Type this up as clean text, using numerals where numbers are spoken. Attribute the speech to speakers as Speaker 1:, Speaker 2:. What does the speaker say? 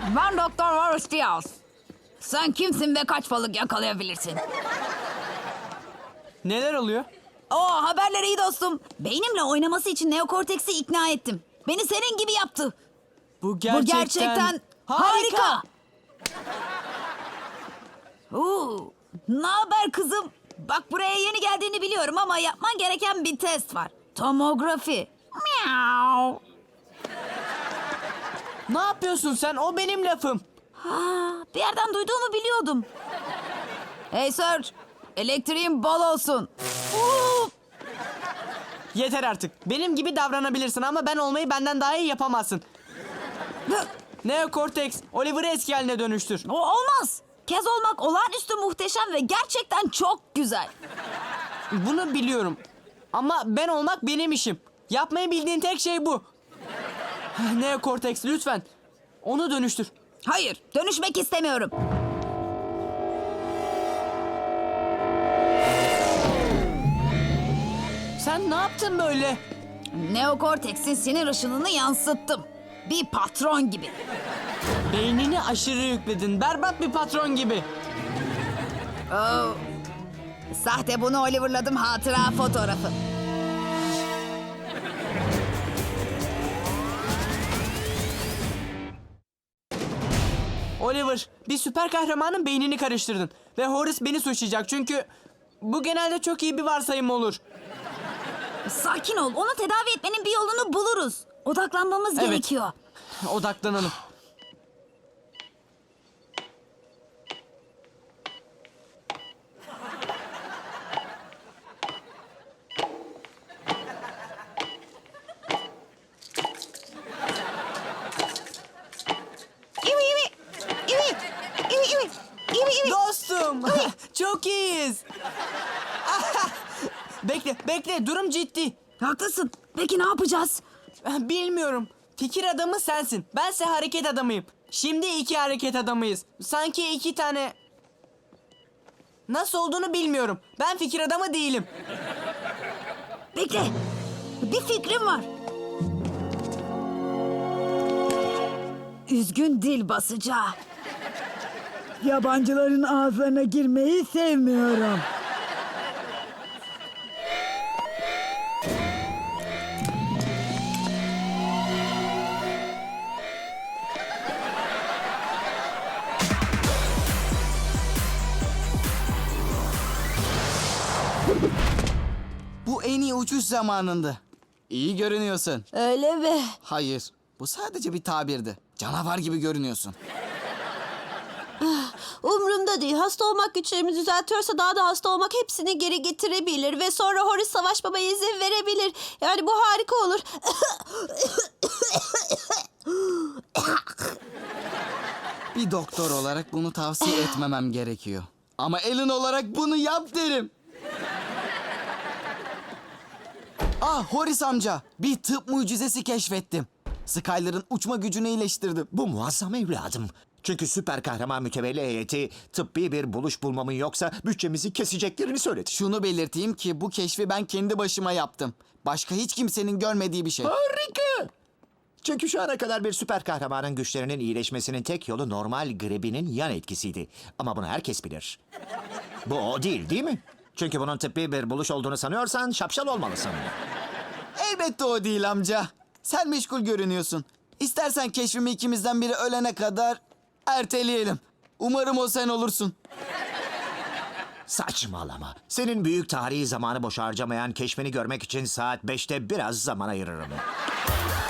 Speaker 1: Ben Doktor Horace Diaz. Sen kimsin ve kaç balık yakalayabilirsin?
Speaker 2: Neler oluyor?
Speaker 1: Haberler iyi dostum. Beynimle oynaması için neokorteksi ikna ettim. Beni senin gibi yaptı.
Speaker 2: Bu
Speaker 1: Bu gerçekten harika. Ne haber kızım? Bak buraya yeni geldiğini biliyorum ama yapman gereken bir test var. Tomografi. Miau.
Speaker 2: Ne yapıyorsun sen? O benim lafım.
Speaker 1: Bir yerden duyduğumu biliyordum. Hey Serge, elektriğin bol olsun.
Speaker 2: Yeter artık. Benim gibi davranabilirsin ama ben olmayı benden daha iyi yapamazsın. Neokorteks, Oliver'ı eski haline dönüştür.
Speaker 1: O olmaz. Kez olmak olağanüstü muhteşem ve gerçekten çok güzel.
Speaker 2: Bunu biliyorum. Ama ben olmak benim işim. Yapmayı bildiğin tek şey bu. Neokorteks lütfen. Onu dönüştür.
Speaker 1: Hayır, dönüşmek istemiyorum.
Speaker 2: Sen ne yaptın böyle?
Speaker 1: Neokorteksin sinir ışınını yansıttım. Bir patron gibi.
Speaker 2: Beynini aşırı yükledin. Berbat bir patron gibi.
Speaker 1: Sahte bunu Oliver'ladım hatıra fotoğrafı.
Speaker 2: Oliver, bir süper kahramanın beynini karıştırdın. Ve Horace beni suçlayacak çünkü bu genelde çok iyi bir varsayım olur.
Speaker 1: Sakin ol, onu tedavi etmenin bir yolunu buluruz. Odaklanmamız
Speaker 2: Evet.
Speaker 1: gerekiyor.
Speaker 2: Odaklanalım. Dostum, çok iyiyiz. Bekle, durum ciddi.
Speaker 1: Haklısın. Peki ne yapacağız?
Speaker 2: Bilmiyorum. Fikir adamı sensin. Bense hareket adamıyım. Şimdi iki hareket adamıyız. Sanki iki tane... Nasıl olduğunu bilmiyorum. Ben fikir adamı değilim.
Speaker 1: Bekle. Bir fikrim var. Üzgün dil basıcağı.
Speaker 3: Yabancıların ağızlarına girmeyi sevmiyorum.
Speaker 4: Bu en iyi uçuş zamanındı. İyi görünüyorsun.
Speaker 1: Öyle mi?
Speaker 4: Hayır, bu sadece bir tabirdi. Canavar gibi görünüyorsun.
Speaker 5: Umrumda değil. Hasta olmak güçlerimi düzeltiyorsa daha da hasta olmak hepsini geri getirebilir. Ve sonra Horace Savaş Baba'ya izin verebilir. Yani bu harika olur.
Speaker 4: Bir doktor olarak bunu tavsiye etmemem gerekiyor. Ama Alan olarak bunu yap derim. Horace amca, bir tıp mucizesi keşfettim. Skyler'ın uçma gücünü iyileştirdim.
Speaker 6: Bu muazzam evladım. Çünkü süper kahraman mütevelli heyeti tıbbi bir buluş bulmamın yoksa bütçemizi keseceklerini söyledi.
Speaker 4: Şunu belirteyim ki bu keşfi ben kendi başıma yaptım. Başka hiç kimsenin görmediği bir şey.
Speaker 6: Harika! Çünkü şu ana kadar bir süper kahramanın güçlerinin iyileşmesinin tek yolu normal gribinin yan etkisiydi. Ama bunu herkes bilir. Bu o değil mi? Çünkü bunun tıbbi bir buluş olduğunu sanıyorsan şapşal olmalısın.
Speaker 4: Elbette o değil amca. Sen meşgul görünüyorsun. İstersen keşfimi ikimizden biri ölene kadar erteleyelim. Umarım o sen olursun.
Speaker 6: Saçmalama. Senin büyük tarihi zamanı boş harcamayan keşfini görmek için saat 5'te biraz zaman ayırırım.